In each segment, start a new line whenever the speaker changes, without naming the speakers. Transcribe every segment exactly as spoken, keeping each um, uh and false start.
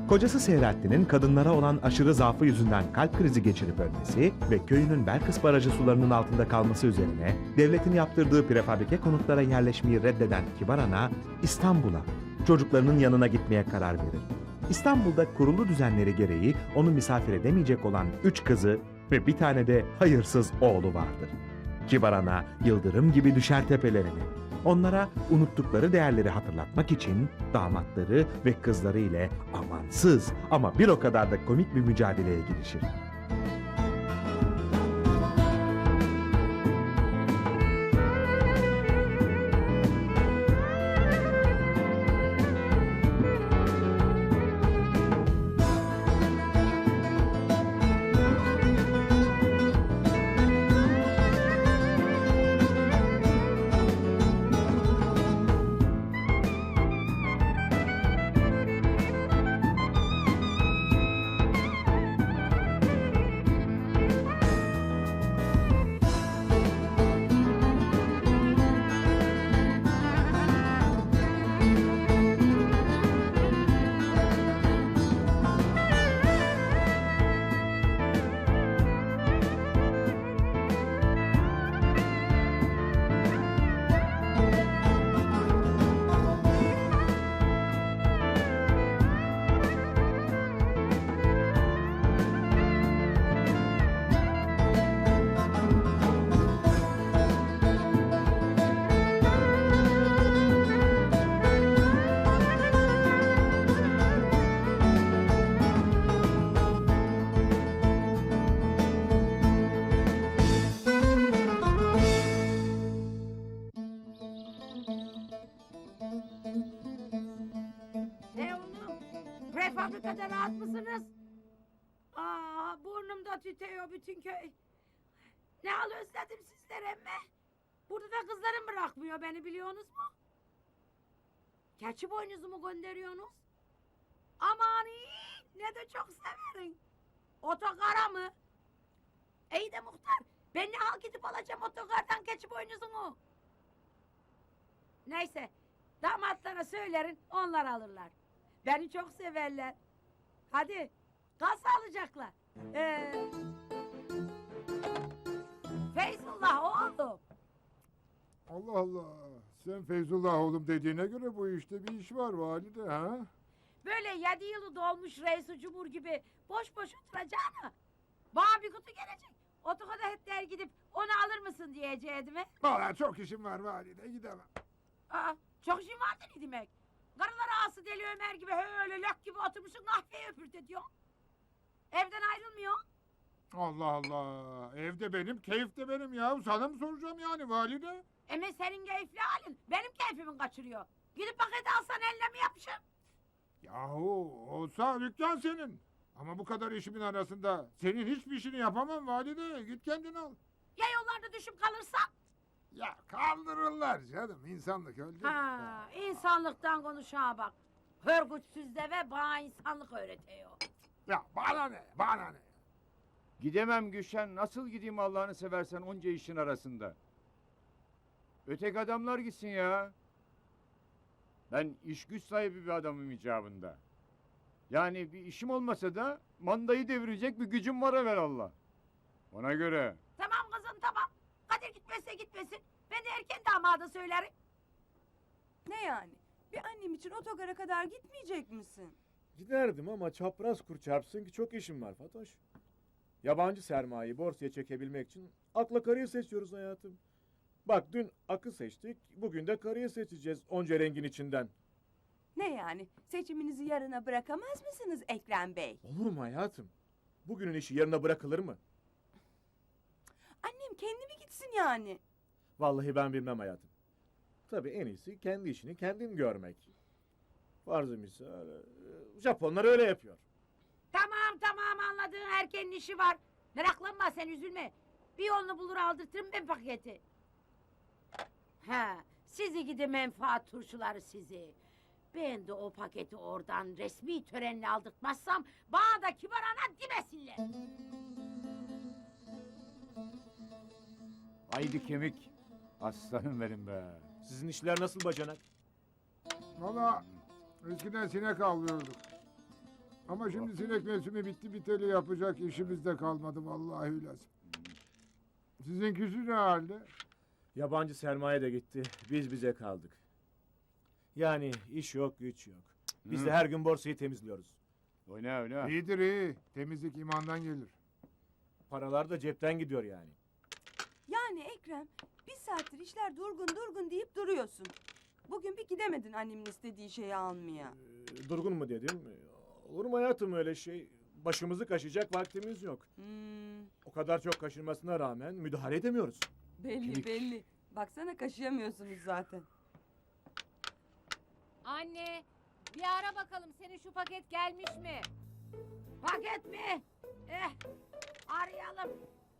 Kocası Seyrettin'in kadınlara olan aşırı zaafı yüzünden kalp krizi geçirip ölmesi ve köyünün Belkıs Barajı sularının altında kalması üzerine devletin yaptırdığı prefabrike konutlara yerleşmeyi reddeden Kibar Ana İstanbul'a, çocuklarının yanına gitmeye karar verir. İstanbul'da kurulu düzenleri gereği onu misafir edemeyecek olan üç kızı ve bir tane de hayırsız oğlu vardır. Kibar Ana yıldırım gibi düşer tepelerine. Onlara unuttukları değerleri hatırlatmak için damatları ve kızları ile amansız ama bir o kadar da komik bir mücadeleye girişir.
Ne oğlum? Prefabrikada rahat mısınız? Aa, burnumda tütüyor bütün köy. Ne al özledim sizler emme. Burada da kızlarım bırakmıyor beni biliyorsunuz mu? Keçi boynuzumu gönderiyorsunuz. Aman iyi, ne de çok severim. Otogara mı? İyi de muhtar, ben ne al gidip alacağım otogardan keçi boynuzunu? Neyse, damatlara söylerin, onlar alırlar. Beni çok severler. Hadi, kal sağlıcakla. Ee, Feyzullah oğlum.
Allah Allah. Sen Feyzullah oğlum dediğine göre bu işte bir iş var valide ha?
Böyle yedi yılı dolmuş reis cumhur gibi boş boş oturacağına. Bana bir kutu gelecek. Otokoda hetler gidip onu alır mısın diyeceğim.
Valla çok işim var valide gidemem.
Aa, çok işin vardı ne demek? Karılar ağası Deli Ömer gibi öyle lök gibi oturmuşsun kahveyi öpürt ediyor. Evden ayrılmıyor.
Allah Allah. Evde benim, keyif de benim ya. Sana mı soracağım yani valide?
Ama senin keyifli halin benim keyfimi kaçırıyor. Gidip paketi alsan eline mi yapışır?
Yahu olsa dükkan senin. Ama bu kadar işimin arasında senin hiçbir işini yapamam valide. Git kendin al.
Ya yollarda düşüp kalırsan?
Ya kaldırırlar canım. İnsanlık öldü.
Ha, insanlıktan konuşana bak. Hörgütsüz de ve bana insanlık öğretiyor.
Ya bana ne? Bana ne?
Gidemem Gülşen. Nasıl gideyim Allah'ını seversen onca işin arasında? Öteki adamlar gitsin ya. Ben iş güç sahibi bir adamım icabında. Yani bir işim olmasa da mandayı devirecek bir gücüm var evvelallah. Ona göre.
Tamam kızım tamam. Kadir gitmezse gitmesin. Ben de erken damada söylerim.
Ne yani? Bir annem için otogara kadar gitmeyecek misin?
Giderdim ama çapraz kur çarpsın ki çok işim var Fatoş. Yabancı sermayeyi borsaya çekebilmek için akla karıyı seçiyoruz hayatım. Bak dün akı seçtik, bugün de karıyı seçeceğiz onca rengin içinden.
Ne yani? Seçiminizi yarına bırakamaz mısınız Ekrem Bey?
Olur mu hayatım? Bugünün işi yarına bırakılır mı?
Annem kendi mi gitsin yani?
Vallahi ben bilmem hayatım. Tabii en iyisi kendi işini kendin görmek. Farzı misal, e, Japonlar öyle yapıyor.
Tamam tamam anladığın erkenin işi var. Meraklanma sen üzülme. Bir yolunu bulur aldırtırım ben paketi. Ha, sizi gidi menfaat turşuları sizi. Ben de o paketi oradan resmi törenle aldırtmazsam bana da Kibar Ana demesinler.
Haydi kemik. Aslanım benim be.
Sizin işler nasıl bacanak?
Valla eskiden sinek avlıyorduk. Ama şimdi sinek mevsimi bitti biteli yapacak işimiz de kalmadı vallahi lazım. Sizinkisi ne halde?
Yabancı sermaye de gitti. Biz bize kaldık. Yani iş yok, güç yok. Biz
Hı.
de her gün borsayı temizliyoruz.
Oyna oyna.
İyidir iyi. Temizlik imandan gelir.
Paralar da cepten gidiyor yani.
Yani Ekrem, bir saattir işler durgun durgun deyip duruyorsun. Bugün bir gidemedin annemin istediği şeyi almaya.
Ee, durgun mu dedim? Olur mu hayatım öyle şey? Başımızı kaşıyacak vaktimiz yok.
Hmm,
O kadar çok kaşınmasına rağmen müdahale edemiyoruz.
belli
Kemik.
belli. Baksana kaşıyamıyorsunuz zaten.
Anne, bir ara bakalım senin şu paket gelmiş mi? Paket mi? Eh, arayalım.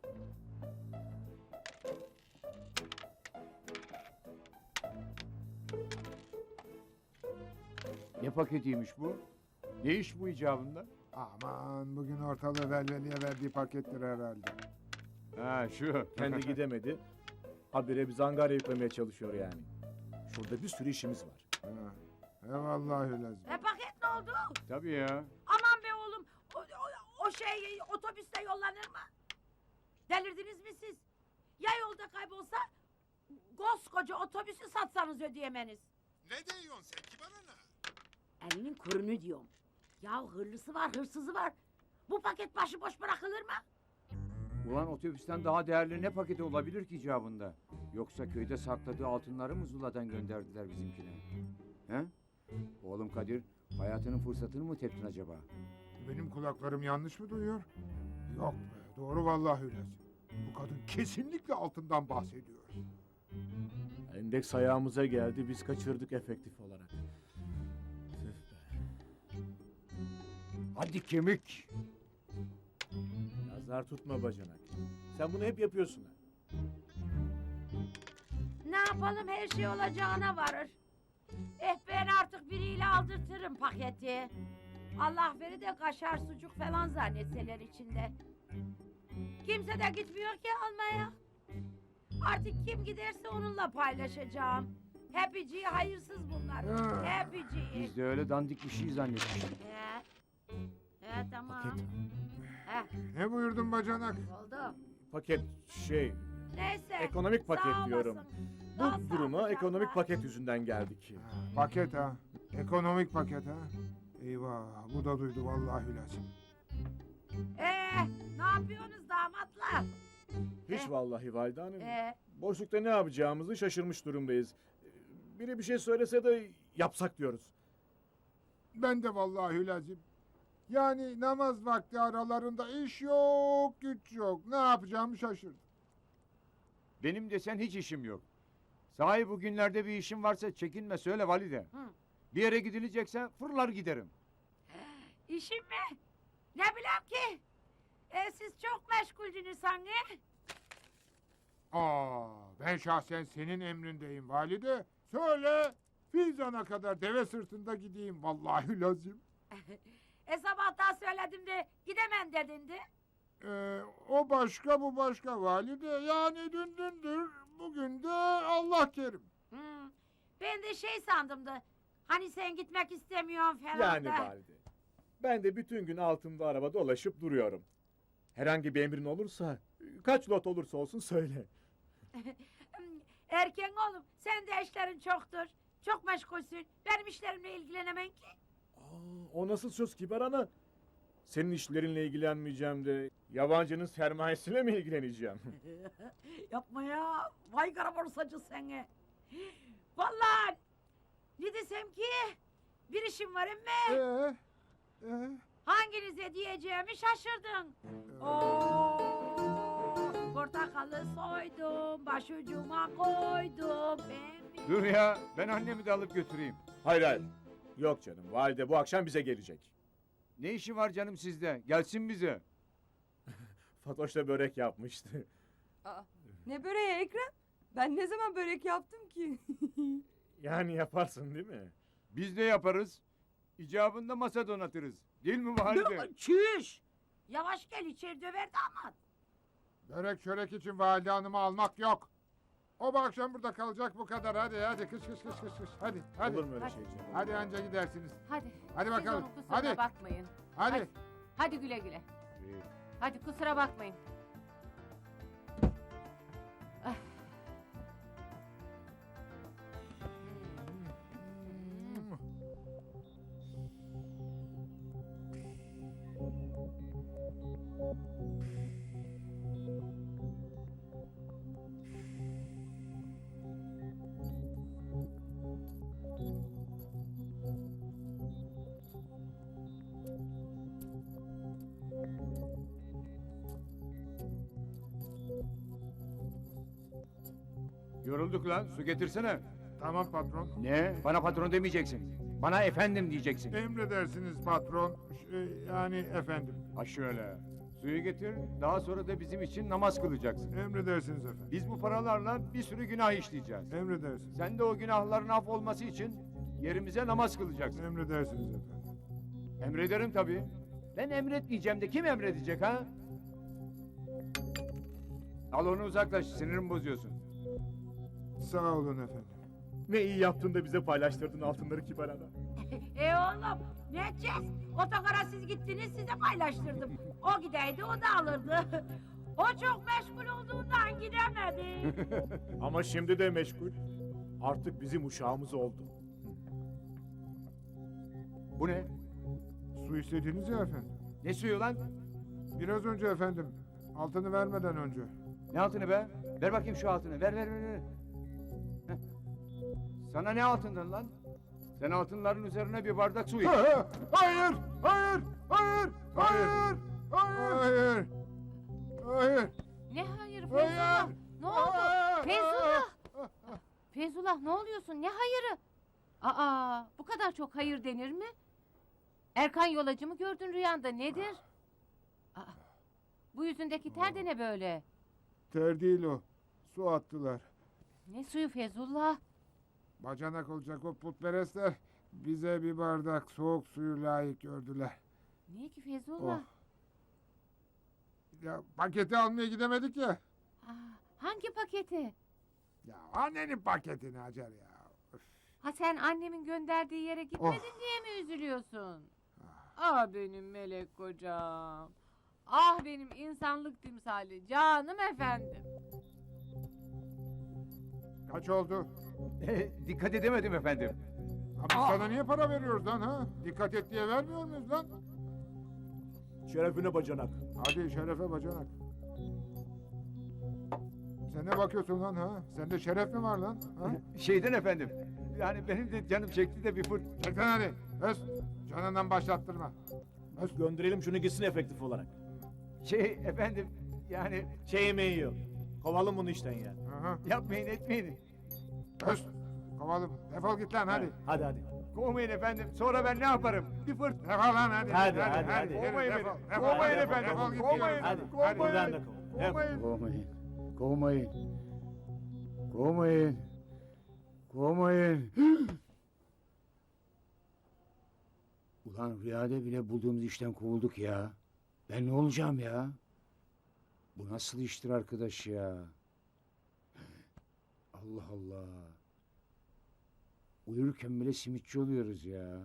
Ne paketiymiş bu? Ne iş bu icabında?
Aman bugün ortalığı velveliye verdiği pakettir herhalde.
Ha şu.
Kendi gidemedi. Habire biz Angarya yüklemeye çalışıyor yani. Şurada bir sürü işimiz var.
Ha. Eyvallah lazım.
E paket ne oldu?
Tabii ya.
Aman be oğlum, o, o, o şey otobüste yollanır mı? Delirdiniz mi siz? Ya yolda kaybolsa, koskoca otobüsü satsanız ödeyemeniz.
Ne diyorsun sen kibar ana?
Elinin kurunu diyorum. Ya hırlısı var, hırsızı var. Bu paket başıboş bırakılır mı?
Ulan otobüsten daha değerli ne paketi olabilir ki icabında? Yoksa köyde sakladığı altınları mı Zula'dan gönderdiler bizimkine? He? Oğlum Kadir, hayatının fırsatını mı teptin acaba?
Benim kulaklarım yanlış mı duyuyor? Yok be, doğru vallahi lazım. Bu kadın kesinlikle altından bahsediyor.
Endeks ayağımıza geldi. Biz kaçırdık efektif olarak. Tüh be.
Hadi kemik!
Nazar tutma bacanak. Sen bunu hep yapıyorsun ha.
Ne yapalım, her şey olacağına varır. Eh ben artık biriyle aldırtırım paketi. Allah veri de kaşar sucuk falan zannetseler içinde. Kimse de gitmiyor ki almaya. Artık kim giderse onunla paylaşacağım. Hepiciyi hayırsız bunlar.
Ha.
Hepiciyi.
Biz de öyle dandik bir şey zannettik.
He. He tamam.
Paket.
He
Ne buyurdun bacanak?
oldu.
Paket şey.
Neyse.
Ekonomik paket
sağ
diyorum.
olasın. Daha
Bu duruma
sağlıcakla.
ekonomik paket yüzünden geldik.
Ha, paket ha. Ekonomik paket ha. Eyvah bu da duydu vallahi lazım.
Ee, ne yapıyorsunuz damatla?
Hiç
Eh.
vallahi Valide Hanım.
Ee,
Boşlukta ne yapacağımızı şaşırmış durumdayız. Biri bir şey söylese de yapsak diyoruz.
Ben de vallahi lazım. Yani namaz vakti aralarında iş yok, güç yok. Ne yapacağımı şaşırdım.
Benim desen hiç işim yok. Sahi bugünlerde bir işim varsa çekinme söyle valide.
Hı.
Bir yere gidilecekse fırlar giderim.
işim mi? Ne bileyim ki? Ee, siz çok meşguldünüz sanki.
Aa, ben şahsen senin emrindeyim valide. Söyle, Fizan'a kadar deve sırtında gideyim vallahi lazım.
E sabahtan söyledim de gidemem dedin de.
Ee, o başka bu başka valide. Yani dün dündür, bugün de Allah kerim.
Hmm, ben de şey sandım da. Hani sen gitmek istemiyorsun falan
Yani
da.
Valide. Ben de bütün gün altımda araba dolaşıp duruyorum. Herhangi bir emrin olursa, kaç lot olursa olsun söyle.
Hmm, Erken oğlum, sen de işlerin çoktur. Çok meşgulsün. Benim işlerimle ilgilenemem ki.
Aa, o nasıl söz kibar ana? Senin işlerinle ilgilenmeyeceğim de yabancının sermayesiyle mi ilgileneceğim?
Yapma ya. Vay kara borsacı seni. Vallahi ne desem ki bir işim var emme.
Ee, ee,
Hanginize diyeceğimi şaşırdın. Oo, portakalı soydum, başucuma koydum. Ben bir-
Dur ya ben annemi de alıp götüreyim.
Hayır hayır. Yok canım, valide bu akşam bize gelecek.
Ne işi var canım sizde? Gelsin bize.
Fatoş da börek yapmıştı.
Aa, ne böreği Ekrem? Ben ne zaman börek yaptım ki?
Yani yaparsın değil mi?
Biz de yaparız. İcabında masa donatırız. Değil mi valide?
Çüş! Yavaş gel içeri döver damat.
börek çörek için valide hanımı almak yok. O bu akşam burada kalacak bu kadar. Hadi hadi kış kış kış kış kış. Hadi hadi.
Olur mu öyle
Hadi.
şey canım?
Hadi anca gidersiniz.
Hadi.
Hadi bakalım.
Siz onun kusuruna
Hadi.
bakmayın.
Hadi.
Hadi güle güle.
İyi.
Hadi kusura bakmayın. Ah.
Yorulduk lan, su getirsene.
Tamam patron.
Ne? Bana patron demeyeceksin. Bana efendim diyeceksin.
Emredersiniz patron. Ş- yani efendim.
Ha şöyle. Suyu getir, daha sonra da bizim için namaz kılacaksın.
Emredersiniz efendim.
Biz bu paralarla bir sürü günah işleyeceğiz.
Emredersiniz.
Sen de o günahların af olması için yerimize namaz kılacaksın.
Emredersiniz efendim.
Emrederim tabii. Ben emretmeyeceğim de kim emredecek ha? Al onu uzaklaş, sinirimi bozuyorsun.
Sağ olun efendim.
Ne iyi yaptın da bize paylaştırdın altınları Kibar Ana.
E oğlum ne edeceğiz? Otogara siz gittiniz size paylaştırdım. O gideydi o da alırdı. O çok meşgul olduğundan gidemedi.
Ama şimdi de meşgul. Artık bizim uşağımız oldu.
Bu ne?
Su istediniz ya efendim.
Ne suyu lan?
Biraz önce efendim. Altını vermeden önce.
Ne altını be? Ver bakayım şu altını. Ver ver ver. ver. Heh. Sana ne altından lan? Sen altınların üzerine bir bardak su iç.
Ha, ha, Hayır! Hayır! Hayır! Hayır! Hayır! Hayır!
Ne hayır Feyzullah?
Hayır!
Ne oldu?
Hayır!
Feyzullah! Feyzullah ne oluyorsun? Ne hayırı? Aa, bu kadar çok hayır denir mi? Erkan yolacı mı gördün rüyanda nedir? Aa, bu yüzündeki ter de ne böyle?
Ter değil o. Su attılar.
Ne suyu Feyzullah?
Bacanak olacak o putperestler bize bir bardak soğuk suyu layık gördüler.
Niye ki Feyzullah?
Oh. Ya paketi almaya gidemedik ya.
Aa, hangi paketi?
Ya annenin paketini Hacer ya. Üf.
Ha sen annemin gönderdiği yere gitmedin diye mi üzülüyorsun? Ah benim melek kocam. Ah benim insanlık timsali canım efendim.
Kaç oldu?
Dikkat edemedim efendim.
Abi sana niye para veriyoruz lan ha? Dikkat et diye vermiyor muyuz lan?
Şerefine bacanak.
Hadi şerefe bacanak. Sen ne bakıyorsun lan ha? Sende şeref mi var lan? Ha?
Şeyden efendim. Yani benim de canım çekti de bir fır.
Çek lan hadi. Öz. Canından başlattırma. Öz.
Gönderelim şunu gitsin efektif olarak.
Şey efendim yani
Şey yemeği yok. Kovalım bunu işten ya.
Aha.
yapmayın etmeyin.
Öz. Kovalım. Defol git lan hadi.
Hadi hadi.
Kovmayın efendim. Sonra ben ne yaparım? Bir fırt.
Defol lan hadi.
Hadi, hadi, hadi.
Yürü,
Kovmayın
defol,
beni.
defol,
Kovmayın
defol,
efendim.
defol git
Kovmayın.
diyorum.
Hadi.
Hadi.
Buradan da kov. Hep.
Kovmayın. Kovmayın. Kovmayın. Kovmayın. Ulan rüyada bile bulduğumuz işten kovulduk ya. Ben ne olacağım ya? Bu nasıl iştir arkadaş ya? Allah Allah. Uyurken bile simitçi oluyoruz ya.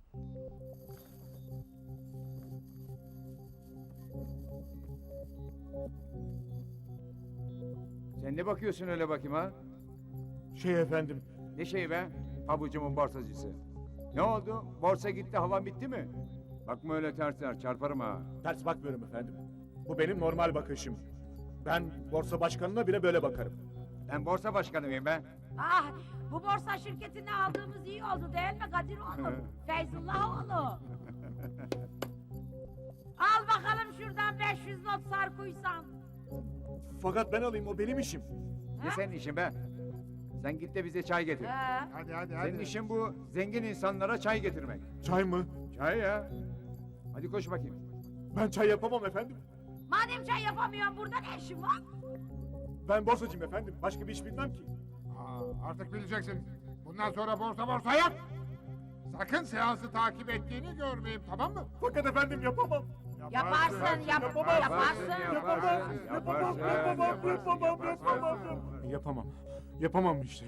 Sen ne bakıyorsun öyle bakayım ha?
Şey efendim.
Ne şey be? Pabucumun borsacısı. Ne oldu? Borsa gitti, havan bitti mi? Bakma öyle ters ters, çarparım ha.
Ters bakmıyorum efendim. Bu benim normal bakışım. Ben borsa başkanına bile böyle bakarım.
Ben borsa başkanıyım be.
Ah bu borsa şirketini aldığımız iyi oldu değil mi Kadir oğlum? Feyzullah oğlu. Al bakalım şuradan beş yüz not sarkuysan.
Fakat ben alayım, o benim işim.
Ne senin işin be? Sen git de bize çay getir.
He.
Hadi hadi hadi.
Senin işin bu zengin insanlara çay getirmek.
Çay mı?
Çay ya. Hadi koş bakayım.
Ben çay yapamam efendim.
Madem çay yapamıyorsun burada ne işin var?
Ben borsacıyım efendim. Başka bir iş bilmem ki.
Aa, artık bileceksin. Bundan sonra borsa borsa yap. Sakın seansı takip ettiğini görmeyeyim, tamam mı?
Fakat efendim yapamam.
Yaparsın yap,
Yapamam.
yaparsın.
Yaparsın, yaparsın,
Yapamam, yapamam,
yaparsın,
yapamam, yapamam,
yaparsın.
yapamam. Yapamam. Yapamam işte.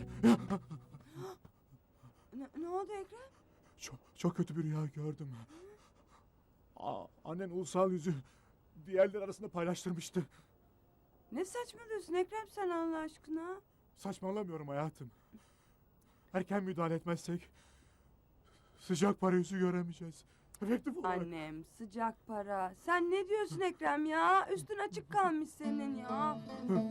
Ne, ne oldu Ekrem?
Çok, çok kötü bir rüya gördüm. Aa, annen ulusal yüzü diğerler arasında paylaştırmıştı.
Ne saçmalıyorsun Ekrem sen Allah aşkına?
Saçmalamıyorum hayatım. Erken müdahale etmezsek sıcak para yüzü göremeyeceğiz. Efektif olarak.
Annem sıcak para. Sen ne diyorsun Ekrem ya? Üstün açık kalmış senin ya.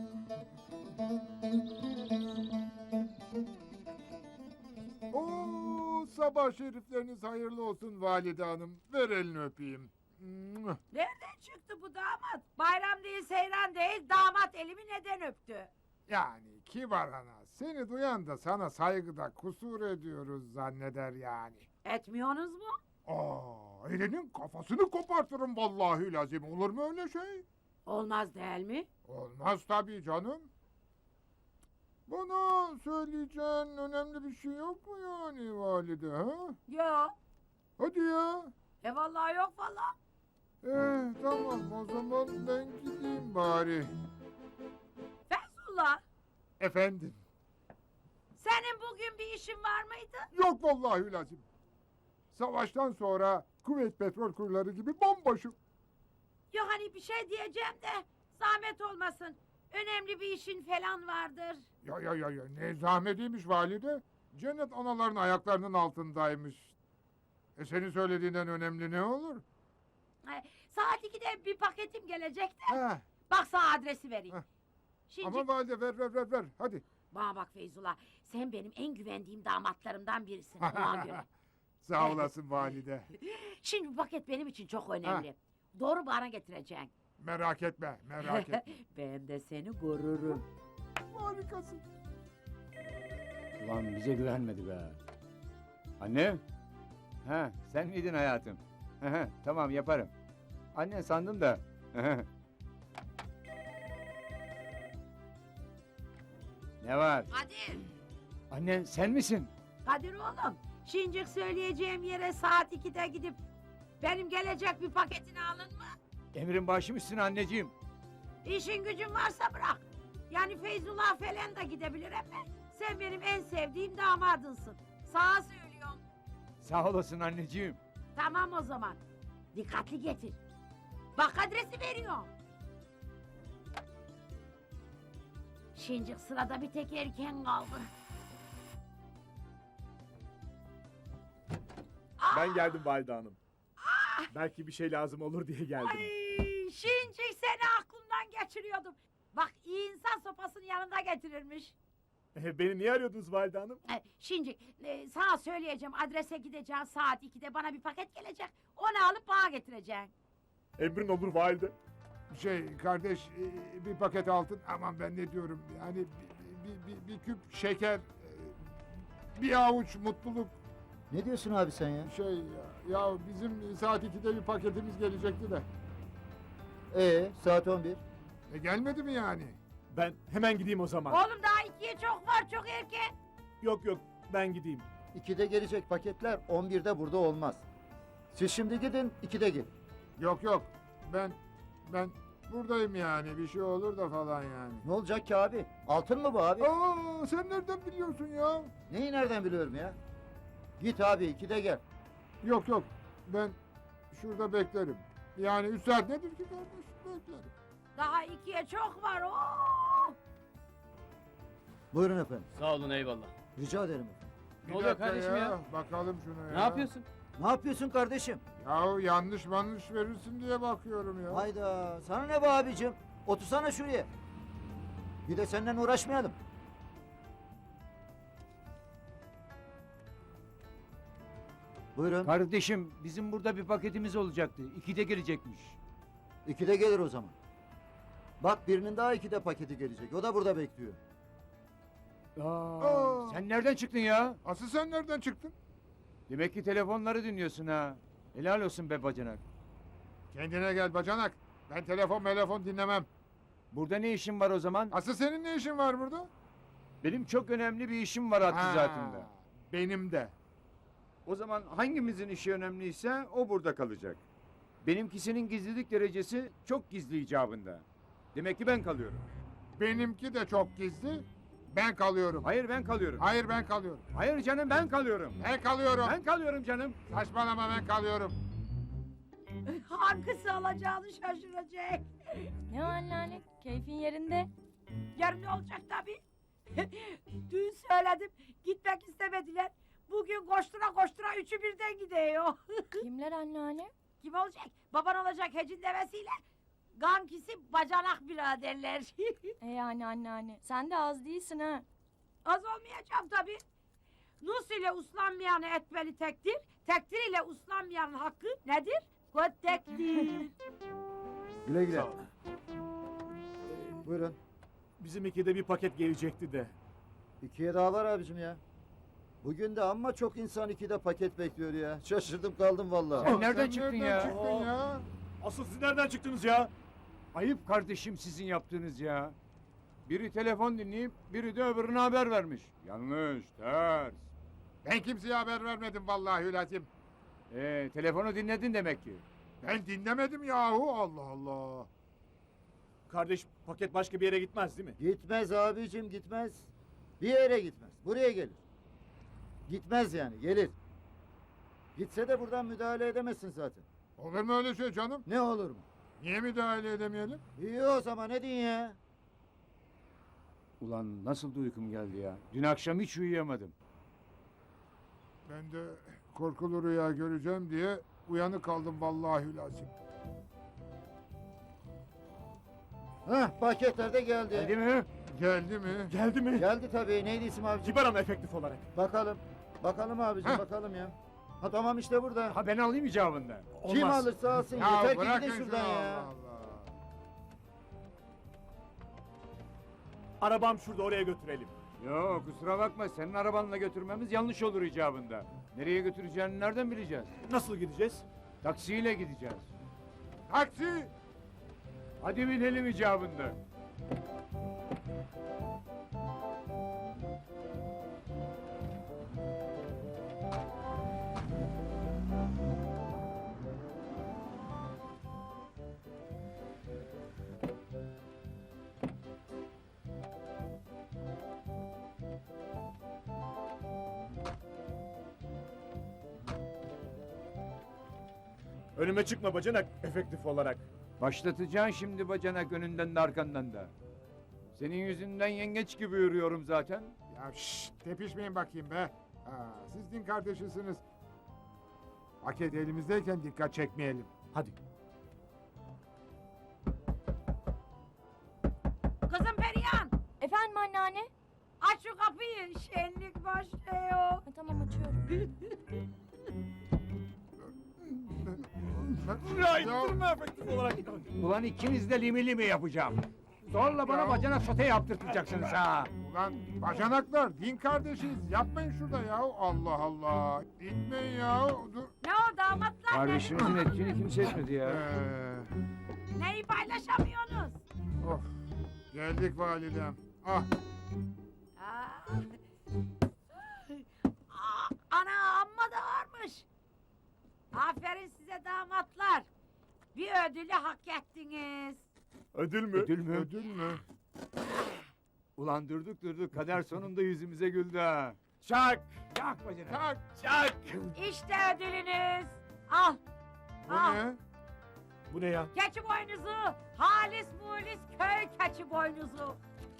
Oo, sabah şerifleriniz hayırlı olsun valide hanım. Ver elini öpeyim. Mwah.
Nereden çıktı bu damat? Bayram değil, seyran değil, damat elimi neden öptü?
Yani kibar ana, seni duyan da sana saygıda kusur ediyoruz zanneder yani.
Etmiyorsunuz mu?
Aa, elinin kafasını kopartırım vallahi lazım. Olur mu öyle şey?
Olmaz değil mi?
Olmaz tabii canım. Bana söyleyeceğin önemli bir şey yok mu yani valide ha?
Yok.
Hadi ya.
E vallahi yok vallahi.
Eh tamam o zaman ben gideyim bari.
Feyzullah,
Efendim?
senin bugün bir işin var mıydı?
Yok vallahi lazım. Savaştan sonra kuvvet petrol kurları gibi bomboşum.
Yok hani bir şey diyeceğim de zahmet olmasın. Önemli bir işin falan vardır.
Ya ya ya ya ne zahmetiymiş valide. Cennet anaların ayaklarının altındaymış. E senin söylediğinden önemli ne olur?
Ay, saat ikide bir paketim gelecek de.
Heh,
Bak sana adresi vereyim.
Heh.
Şimdi
ama valide ver ver ver ver hadi.
bana bak Feyzullah, sen benim en güvendiğim damatlarımdan birisin. Ona göre.
Sağ olasın valide.
Şimdi bu paket benim için çok önemli. Doğru bana getireceksin.
Merak etme merak etme.
Ben de seni korurum.
Harikasın.
Ulan bize güvenmedi be. Anne? Ha, sen miydin hayatım? Hı hı, tamam yaparım. Annen sandım da. Hı hı. Ne var?
Kadir,
Annen sen misin?
Kadir oğlum. Şincik söyleyeceğim yere saat ikide gidip benim gelecek bir paketini alın mı?
Emrin başım üstüne anneciğim.
İşin gücün varsa bırak. Yani Feyzullah falan da gidebilir ama sen benim en sevdiğim damadınsın. Sağa söylüyorum.
Sağ olasın anneciğim.
Tamam o zaman. Dikkatli getir. Bak adresi veriyorum. Şincik sırada bir tek erken kaldı.
Ben geldim valide hanım. Belki bir şey lazım olur diye geldim.
Ay, Şincik seni aklımdan geçiriyordum. Bak iyi insan sopasını yanında getirirmiş.
E, Beni niye arıyordunuz valide hanım?
Ay, Şincik e, sana söyleyeceğim adrese gideceğim saat ikide bana bir paket gelecek. Onu alıp bana getireceksin.
Emrin olur valide.
Şey kardeş e, bir paket altın aman ben ne diyorum yani bir, bir, bir, bir küp şeker e, bir avuç mutluluk
Ne diyorsun abi sen ya?
şey ya, ya bizim saat ikide bir paketimiz gelecekti de
Ee saat on bir.
e, gelmedi mi yani?
Ben hemen gideyim o zaman.
Oğlum daha ikiye çok var çok erken.
Yok yok ben gideyim.
ikide gelecek paketler on birde burada olmaz. Siz şimdi gidin ikide gelin.
Yok yok ben ben buradayım yani bir şey olur da falan yani.
Ne olacak ki abi? Altın mı bu abi?
Aa sen nereden biliyorsun ya?
Neyi nereden biliyorum ya? Git abi ikide gel.
Yok yok ben şurada beklerim. Yani üç saat nedir ki kardeş beklerim.
Daha ikiye çok var. Oo!
Buyurun efendim.
Sağ olun eyvallah.
Rica ederim efendim.
Bir
Ne oluyor
dakika
kardeşim ya?
Bakalım şuna ya.
Ne yapıyorsun?
Ne yapıyorsun kardeşim?
Yahu yanlış yanlış verirsin diye bakıyorum ya.
Hayda sana ne be abicim? Otursana şuraya. Bir de senden uğraşmayalım. Buyurun.
Kardeşim bizim burada bir paketimiz olacaktı. İkide gelecekmiş.
İkide gelir o zaman. Bak birinin daha ikide paketi gelecek. O da burada bekliyor.
Aa,
Aa.
Sen nereden çıktın ya?
Asıl sen nereden çıktın?
Demek ki telefonları dinliyorsun ha. Helal olsun be bacanak.
Kendine gel bacanak. Ben telefon telefon dinlemem.
Burada ne işin var o zaman?
Asıl senin ne işin var burada?
Benim çok önemli bir işim var hattı
Ha,
zatında.
Benim de.
O zaman hangimizin işi önemliyse o burada kalacak. Benimkisinin gizlilik derecesi çok gizli icabında. Demek ki ben kalıyorum.
Benimki de çok gizli. Ben kalıyorum.
Hayır ben kalıyorum.
Hayır ben kalıyorum.
Hayır canım ben kalıyorum.
Ben kalıyorum.
Ben kalıyorum canım.
Saçmalama ben kalıyorum.
Hangisi alacağını şaşıracak.
Ne o anneanne? Keyfin yerinde.
Yarın ne olacak tabii. Dün söyledim, gitmek istemediler. Bugün koştura koştura üçü birden gidiyor.
Kimler anneanne?
Kim olacak? Baban olacak hecin demesiyle. Gankisi bacanak biraderler.
E yani anneanne. Sen de az değilsin ha.
Az olmayacağım tabii. Nus ile uslanmayanı etmeli tektir. Tektir ile uslanmayanın hakkı nedir? Göttektir.
Güle güle.
Sağ ol.
Buyurun.
Bizim ikide bir paket gelecekti de.
İkiye daha var abicim ya. Bugün de amma çok insan ikide paket bekliyor ya. Şaşırdım kaldım vallahi.
Sen nereden çıktın
nereden
ya?
çıktın ya?
Asıl siz nereden çıktınız ya?
Ayıp kardeşim sizin yaptığınız ya. Biri telefon dinleyip biri de öbürüne haber vermiş. Yanlış, ters.
Ben kimseye haber vermedim vallahi Hülacım.
Ee, telefonu dinledin demek ki.
Ben dinlemedim yahu Allah Allah.
Kardeş paket başka bir yere gitmez değil mi?
Gitmez abicim gitmez. Bir yere gitmez. Buraya gelir. Gitmez yani gelir. Gitse de buradan müdahale edemezsin zaten.
Olur mu öyle şey canım?
Ne olur mu?
Niye müdahale edemeyelim?
İyi o zaman ne diyorsun ya?
Ulan nasıl da uykum geldi ya. Dün akşam hiç uyuyamadım.
Ben de korkulu rüya göreceğim diye uyanık kaldım vallahi Hülacım.
Hah paketler de geldi.
Geldi mi?
Geldi mi?
Geldi mi?
Geldi tabii. Neydi isim abicim?
Kibar ama efektif olarak.
Bakalım. Bakalım abicim
Heh.
bakalım ya. Ha tamam işte burada.
Ha ben alayım icabında.
Kim
Olmaz.
alırsa alsın
Ya
yeter ki
bırakın
gidin
şunu
şuradan ya.
Allah Allah.
Arabam şurada oraya götürelim.
Yok kusura bakma senin arabanla götürmemiz yanlış olur icabında. Nereye götüreceğini nereden bileceğiz?
Nasıl gideceğiz?
Taksiyle gideceğiz.
Taksi!
Hadi binelim icabında.
Önüme çıkma bacanak efektif olarak.
Başlatacaksın şimdi bacanak önünden de arkandan da. Senin yüzünden yengeç gibi yürüyorum zaten.
Ya şşş tepişmeyin bakayım be. Ha, siz din kardeşisiniz. Paket elimizdeyken dikkat çekmeyelim.
Hadi.
Kızım Perihan,
Efendim anneanne?
aç şu kapıyı. Şenlik başlıyor.
Ha, tamam açıyorum.
Ya
Ya-
ittirme efektif olarak.
Ulan ikiniz de limi limi yapacağım. Zorla bana
Ya.
bacanak sote yaptırtacaksınız ha.
Ulan bacanaklar din kardeşiz. Yapmayın şurada ya. Allah Allah. Gitmeyin ya. Dur.
Ne o damatlar
Kardeşimizin ettiğini kimse etmedi ya.
Ee,
ne? Neyi paylaşamıyorsunuz?
of. Geldik validem. Ah.
Aa. Aa, ana amma da varmış. Aferin size damatlar. Bir ödülü hak ettiniz.
Ödül mü?
Ödül mü?
Ödül mü?
Ulan durduk durduk kader sonunda yüzümüze güldü ha. Çak! Çak bacanak.
Tak.
Çak!
İşte ödülünüz. Al.
Bu
al.
ne?
Bu ne ya?
Keçi boynuzu. Halis mulis köy keçi boynuzu.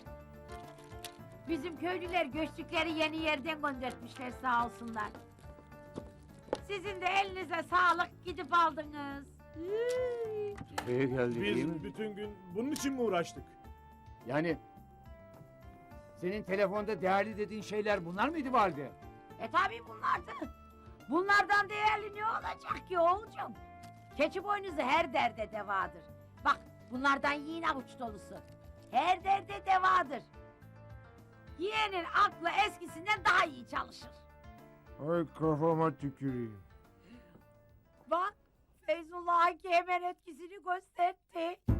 Bizim köylüler göçtükleri yeni yerden göndertmişler sağ olsunlar. Sizin de elinize sağlık gidip aldınız. Hıı.
Buraya geldik değil mi?
Biz bütün gün bunun için mi uğraştık?
Yani senin telefonda değerli dediğin şeyler bunlar mıydı valide?
E tabi bunlardı. Bunlardan değerli ne olacak ki oğulcum? Keçi boynuzu her derde devadır. Bak bunlardan yiyin avuç dolusu. Her derde devadır. Yiyenin aklı eskisinden daha iyi çalışır.
Ay kafama tüküreyim.
Bak Feyzullah Haki hemen etkisini gösterdi.